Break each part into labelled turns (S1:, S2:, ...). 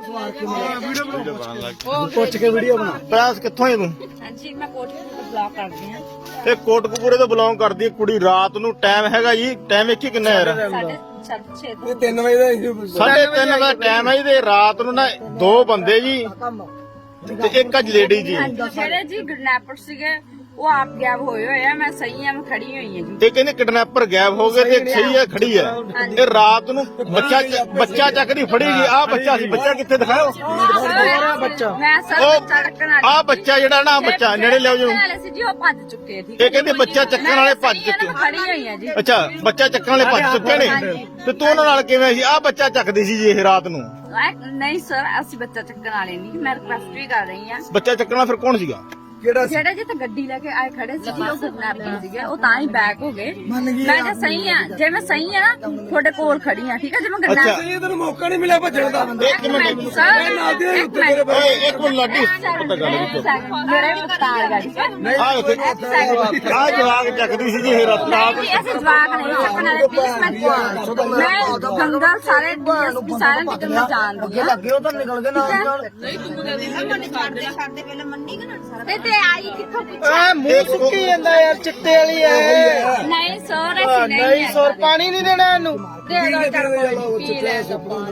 S1: ਪੁੱਛ ਕੇ ਵੀਡੀਓ ਬਣਾ।
S2: ਪ੍ਰਾਸ ਕਿੱਥੋਂ ਹੈ ਤੂੰ?
S3: ਹਾਂਜੀ ਮੈਂ ਕੋਟਕਪੂਰੇ ਤੋਂ ਬਲੌਗ ਕਰਦੀ ਹਾਂ।
S2: ਇਹ ਕੋਟਕਪੂਰੇ ਤੋਂ ਬਿਲੋਂਗ ਕਰਦੀ ਹੈ ਕੁੜੀ। ਰਾਤ ਨੂੰ ਟਾਈਮ ਹੈਗਾ ਜੀ, ਟਾਈਮ ਵੇਖੀ ਕਿੰਨਾ ਯਾਰ?
S3: 6:30
S1: ਇਹ 3 ਵਜੇ ਦਾ
S2: 3:30 ਦਾ ਟਾਈਮ ਹੈ ਜੀ। ਤੇ ਰਾਤ ਨੂੰ ਨਾ 2 ਬੰਦੇ ਜੀ ਤੇ ਇੱਕ ਅੱਜ ਲੇਡੀ ਜੀ।
S3: ਜਿਹੜੇ ਜੀ ਕਿਡਨੈਪਰ ਸੀਗੇ ਉਹ ਆਪ ਗਾਇਬ ਹੋਏ ਹੋਏ ਆ। ਮੈਂ ਸਹੀ ਆ, ਮੈਂ ਖੜੀ ਹੋਈ ਹਾਂ ਜੀ।
S2: ਇਹ ਕਹਿੰਦੇ ਕਿਡਨੈਪਰ ਗਾਇਬ ਹੋ ਗਏ ਤੇ ਇੱਕ ਸਹੀ ਹੈ ਖੜੀ ਹੈ। ਇਹ ਰਾਤ ਨੂੰ ਬੱਚਾ ਚੱਕਦੀ ਫੜੀ ਗਈ। ਆਹ ਬੱਚਾ ਸੀ, ਬੱਚਾ ਕਿੱਥੇ ਦਿਖਾਓ?
S1: ਬੱਚਾ
S3: ਮੈਂ ਸਰ ਬੱਚਾ ਰੱਖਣ ਵਾਲੀ
S2: ਆਹ ਬੱਚਾ ਜਿਹੜਾ ਨਾ ਬੱਚਾ ਨੇੜੇ ਲਿਆਓ ਜੀ।
S3: ਵਾਲੇ ਸੀ ਜੀ ਉਹ ਭੱਜ ਚੁੱਕੇ ਆ, ਠੀਕ
S2: ਇਹ ਕਹਿੰਦੇ ਬੱਚਾ ਚੱਕਣ ਵਾਲੇ ਭੱਜ ਚੁੱਕੇ।
S3: ਮੈਂ ਖੜੀ ਹੋਈ ਹਾਂ ਜੀ।
S2: ਅੱਛਾ, ਬੱਚਾ ਚੱਕਣ ਵਾਲੇ ਭੱਜ ਚੁੱਕੇ ਨੇ ਤੇ ਤੂੰ ਉਹਨਾਂ ਨਾਲ ਕਿਵੇਂ ਸੀ? ਆਹ ਬੱਚਾ ਚੱਕਦੀ ਸੀ ਜੀ ਇਹ ਰਾਤ ਨੂੰ।
S3: ਨਹੀਂ ਸਰ, ਅਸੀਂ ਬੱਚਾ ਚੱਕਣ ਵਾਲੇ ਨਹੀਂ। ਮੈਂ ਰਿਕਵੈਸਟ ਵੀ ਕਰ ਰਹੀ ਹਾਂ।
S2: ਬੱਚਾ ਚੱਕਣ ਵਾਲਾ ਫਿਰ ਕੌਣ ਸੀਗਾ?
S3: ਜਿਹੜੇ ਜਿੱਥੇ ਗੱਡੀ ਲੈ ਕੇ ਆਏ ਖੜੇ ਸੀ ਜੀ ਉਹ ਕਿਡਨੈਪਰ ਸੀਗੇ। ਉਹ ਤਾਂ ਹੀ ਬੈਕ ਹੋ ਗਏ। ਮੈਂ ਜੇ ਸਹੀ ਆ, ਜੇ ਮੈਂ ਸਹੀ ਆ ਨਾ ਤੁਹਾਡੇ ਕੋਲ ਖੜੀ ਆ, ਠੀਕ ਹੈ? ਜੇ ਮੈਂ ਕਿਡਨੈਪਰ
S1: ਇਹ ਤੈਨੂੰ ਮੌਕਾ ਨਹੀਂ ਮਿਲਿਆ ਭੱਜਣ ਦਾ।
S2: ਇੱਕ ਮਿੰਟ
S3: ਸਰ
S1: ਇੱਕ
S2: ਇੱਕ ਮਿੰਟ ਲਾਡੀ ਪਤਾ ਗੱਲ
S3: ਮੇਰੇ ਵੀ ਪਤਾ ਗਾੜੀ
S2: ਆਹ ਜਵਾਗ ਚੱਕਦੀ ਸੀ ਜੀ ਇਹ ਰਾਤ
S3: ਨਹੀਂ ਜੀ, ਅਸੀਂ ਜਵਾਕ ਨਹੀਂ ਚੱਕਣ ਵਾਲੇ। ਪਲੀਜ਼ ਮੈਂ ਗੰਗਾ ਸਾਰੇ ਡੀਐਸਪੀ ਸਾਰਿਆਂ ਦੀ ਗੱਲ ਜਾਣਦੀ ਹਾਂ।
S1: ਲੱਗੇ ਉਹ ਤਾਂ ਨਿਕਲ ਗਏ ਨਾਲ।
S3: ਤੇ ਆਈ ਕਿੱਥੋਂ
S1: ਆ ਮੂੰਹ ਸੁੱਕੀ ਜਾਂਦਾ ਯਾਰ, ਚਿੱਟੇ ਵਾਲੀ ਐ।
S3: ਨਹੀਂ ਸਰ, ਅਸੀਂ
S1: ਨਹੀਂ ਸੌਰ ਪਾਣੀ ਨਹੀਂ ਦੇਣਾ ਇਹਨੂੰ।
S3: ਦੇ ਦੋ ਚਾਰ ਪਾਣੀ ਪੀ ਲੈ।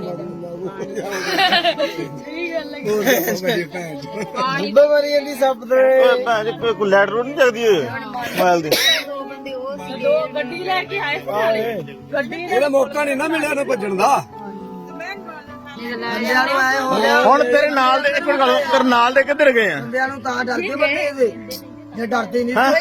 S1: ਡੁੱਬੇ ਮਰੀ ਜਾਂਦੀ ਸੱਪ ਦੇ।
S2: ਭੈਣ ਜੀ ਕੋਈ ਲੈਟ ਰੋਡ ਨਹੀਂ ਚੱਕਦੀ ਮੋਬਾਈਲ ਦੀ।
S3: ਦੋ ਗੱਡੀ ਲੈ ਕੇ ਆਏ ਸਾਰੇ। ਗੱਡੀ
S1: ਇਹਦਾ ਮੌਕਾ ਨਹੀਂ ਨਾ ਮਿਲਿਆ ਨਾ ਭੱਜਣ ਦਾ। ਬੰਦਿਆਂ ਨੂੰ ਐ ਹੋ ਗਿਆ,
S2: ਹੁਣ ਤੇਰੇ ਨਾਲ ਦੇ ਇੱਕ ਮਿੰਟ ਗੱਲ, ਤੇਰੇ ਨਾਲ ਦੇ ਕਿੱਧਰ ਗਏ ਆ?
S1: ਬੰਦਿਆਂ ਨੂੰ ਤਾਂ ਡਰਦੇ ਬੰਦੇ ਇਹਦੇ। ਜੇ ਡਰਦੇ ਨਹੀਂ
S2: ਹੈਂ?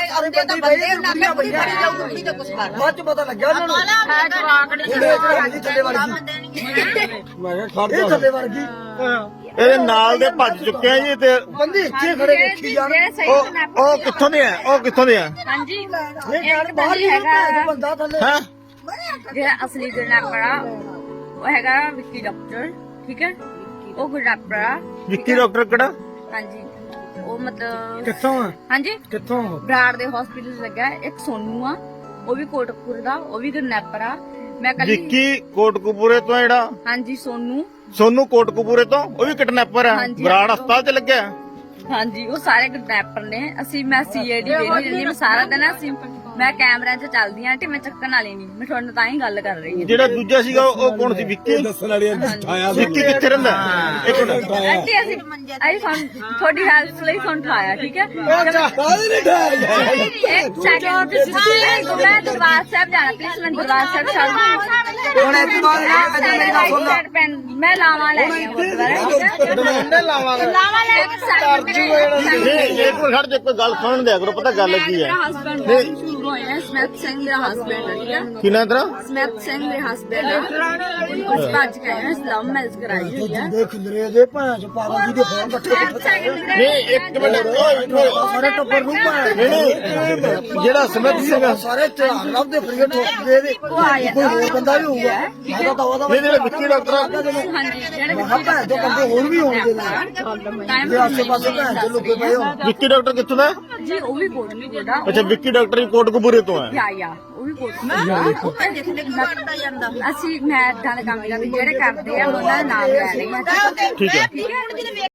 S1: ਬਾਅਦ ਚ ਪਤਾ ਲੱਗਿਆ ਉਹਨਾਂ ਨੂੰ। ਇਹਦੇ ਥੱਲੇ ਵੜ ਗਈ। ਮੈਂ ਕਿਹਾ ਖੜ ਜਾ, ਥੱਲੇ ਵੜ ਗਈ।
S2: ਇਹਦੇ ਨਾਲ ਦੇ ਭੱਜ ਚੁੱਕੇ ਆ ਜੀ। ਤੇ
S1: ਬੰਦੇ ਇੱਥੇ ਖੜੇ ਵੇਖੀ ਜਾਣ।
S2: ਉਹ ਕਿੱਥੋਂ ਦੇ ਆ? ਉਹ ਕਿੱਥੋਂ ਦੇ ਆ?
S3: ਹਾਂਜੀ
S1: ਇਹ ਬਾਹਰ ਹੀ ਹੈਗਾ ਬੰਦਾ ਥੱਲੇ।
S2: ਹੈ
S3: ਜਿਹੜਾ ਅਸਲੀ ਕਿਡਨੈਪਰ ਆ ਉਹ ਹੈਗਾ ਵਿੱਕੀ ਡਾਕਟਰ, ਠੀਕ ਹੈ? ਉਹ ਕਿਡਨੈਪਰ ਆ।
S2: ਵਿੱਕੀ ਡਾਕਟਰ ਕਿਹੜਾ?
S3: ਹਾਂਜੀ ਉਹ ਮਤਲਬ
S1: ਕਿੱਥੋਂ ਆ?
S3: ਹਾਂਜੀ
S1: ਕਿੱਥੋਂ?
S3: ਬਰਾੜ ਦੇ ਹਸਪੀਟਲ ਲੱਗਾ। ਇੱਕ ਸੋਨੂ ਆ, ਉਹ ਵੀ ਕੋਟਕਪੂਰੇ ਦਾ, ਉਹ ਵੀ ਕਿਡਨੈਪਰ ਆ। ਮੈਂ ਕੱਲ
S2: ਵਿੱਕੀ ਕੋਟਕਪੂਰੇ ਤੋਂ ਜਿਹੜਾ
S3: ਹਾਂਜੀ
S2: ਸੋਨੂ ਕੋਟਕਪੂਰੇ ਤੋਂ ਉਹ ਵੀ ਕਿਡਨੈਪਰ ਆ।
S3: ਹਾਂਜੀ।
S2: ਬਰਾੜ ਹਸਪਤਾਲ ਚ ਲੱਗਿਆ।
S3: ਹਾਂਜੀ ਉਹ ਸਾਰੇ ਕਿਡਨੈਪਰ ਨੇ। ਮੈਂ ਸੀਆਈਡੀ ਵੇਖਦੀ ਰਹਿੰਦੀ। ਮੈਂ ਸਾਰਾ ਦਿਨ ਮੈਂ ਕੈਮਰਿਆਂ 'ਚ ਚੱਲਦੀ ਆਂ ਤੇ ਮੈਂ ਚੱਕਣ ਵਾਲੀ ਨਹੀਂ। ਮੈਂ ਤੁਹਾਡੇ ਨਾਲ ਤਾਂ ਹੀ ਗੱਲ ਕਰ ਰਹੀ ਹਾਂ।
S2: ਜਿਹੜਾ ਦੂਜਾ ਸੀਗਾ ਉਹ ਕੌਣ ਸੀ? ਵਿੱਕੀ
S1: ਦੱਸਣ ਵਾਲੀ ਉਠਾਇਆ
S2: ਵਿੱਕੀ ਕਿੱਥੇ ਰਹਿੰਦਾ? ਇੱਕ ਮਿੰਟ
S3: ਅੱਗੇ ਅਸੀਂ ਤੁਹਾਡੀ ਹੈਲਪ ਲਈ ਤੁਹਾਨੂੰ ਉਠਾਇਆ, ਠੀਕ ਹੈ?
S1: ਕਾਹਦੇ ਨਹੀਂ ਠਾਇਆ?
S3: ਇੱਕ ਸੈਕਿੰਡ ਮੈਂ ਦਰਬਾਰ ਸਾਹਿਬ ਜਾਣਾ, ਪਲੀਜ਼ ਮੈਂ ਦਰਬਾਰ ਸਾਹਿਬ ਚੱਲ
S1: ਹੁਣ ਇੱਕ ਵਾਰ
S3: ਮੈਂ ਲਾਵਾਂ ਲੈ ਕੇ
S1: ਉਹਨੇ ਲਾਵਾਂਗੇ।
S2: ਇੱਕ ਮਿੰਟ ਖੜ ਜਾ, ਕੋਈ ਗੱਲ ਸੁਣਨ ਦਿਆ ਕਰੋ। ਪਤਾ ਗੱਲ ਕੀ ਹੈ?
S3: ਸਮੈਥ ਸਿੰਘ ਮੇਰਾ ਹਸਬੈਂਡ ਹੈ, ਠੀਕ ਹੈ?
S2: ਕੀ ਨਾਂ ਤੇਰਾ?
S3: ਸਮੈਥ ਸਿੰਘ ਮੇਰੇ ਹਸਬੈਂਡ ਹੈ। ਉਸ ਭੱਜ ਕੇ ਆਏ ਲਵ ਮੈਰਿਜ ਕਰਾਈ ਹੋਈ ਹੈ।
S1: ਦੇਖ ਖਿੰਦਰੇ ਦੇ ਭੈਣ ਚ ਪਾਗਲ ਜੀ ਦੇ ਫੋਨ ਇਕੱਠੇ
S2: ਨਹੀਂ ਇੱਕ ਮਿੰਟ
S1: ਸਾਰੇ ਟੱਬਰ ਨੂੰ ਭੈਣ।
S2: ਨਹੀਂ ਜਿਹੜਾ ਸਮਿਤ ਸਿੰਘ
S1: ਸਾਰੇ ਧਿਆਨ ਲੱਭਦੇ ਫਰੀਏ ਠੋਕਦੇ ਦੇ। ਕੋਈ ਹੋਰ ਬੰਦਾ ਵੀ ਹੋਊਗਾ। ਉਹਦਾ ਤਾਂ ਉਹਦਾ
S2: ਨਹੀਂ ਜਿਹੜਾ ਵਿੱਕੀ ਡਾਕਟਰ ਆ।
S3: ਹਾਂਜੀ ਜਿਹੜੇ
S1: ਮੈਂ ਕਿਹਾ ਭੈਣ ਜੋ ਬੰਦੇ ਹੋਰ ਵੀ ਹੋਣਗੇ ਨਾਲ। ਜੇ ਆਸੇ ਪਾਸੇ ਭੈਣ ਚ ਲੁਕੇ ਪਏ ਹੋ।
S2: ਵਿੱਕੀ ਡਾਕਟਰ ਕਿੱਥੋਂ ਦਾ?
S3: ਜੀ ਉਹ ਵੀ ਕੋਟਕਪੂਰੇ ਦਾ।
S2: ਅੱਛਾ, ਵਿੱਕੀ ਡਾਕਟਰ ਹੀ ਕੋਟਕਪੂਰੇ ਤੋਂ ਹੈ।
S3: ਯਾ ਉਹ ਵੀ ਕੋਟਕਪੂਰੇ ਦਾ। ਅਸੀਂ ਮੈਂ ਏਦਾਂ ਦੇ ਕੰਮ ਕਰਦੇ ਜਿਹੜੇ ਕਰਦੇ ਆ ਉਹਨਾਂ ਦਾ ਨਾਮ ਲੈ ਰਹੀ ਹਾਂ,
S2: ਠੀਕ ਹੈ।
S3: ਠੀਕ ਹੈ?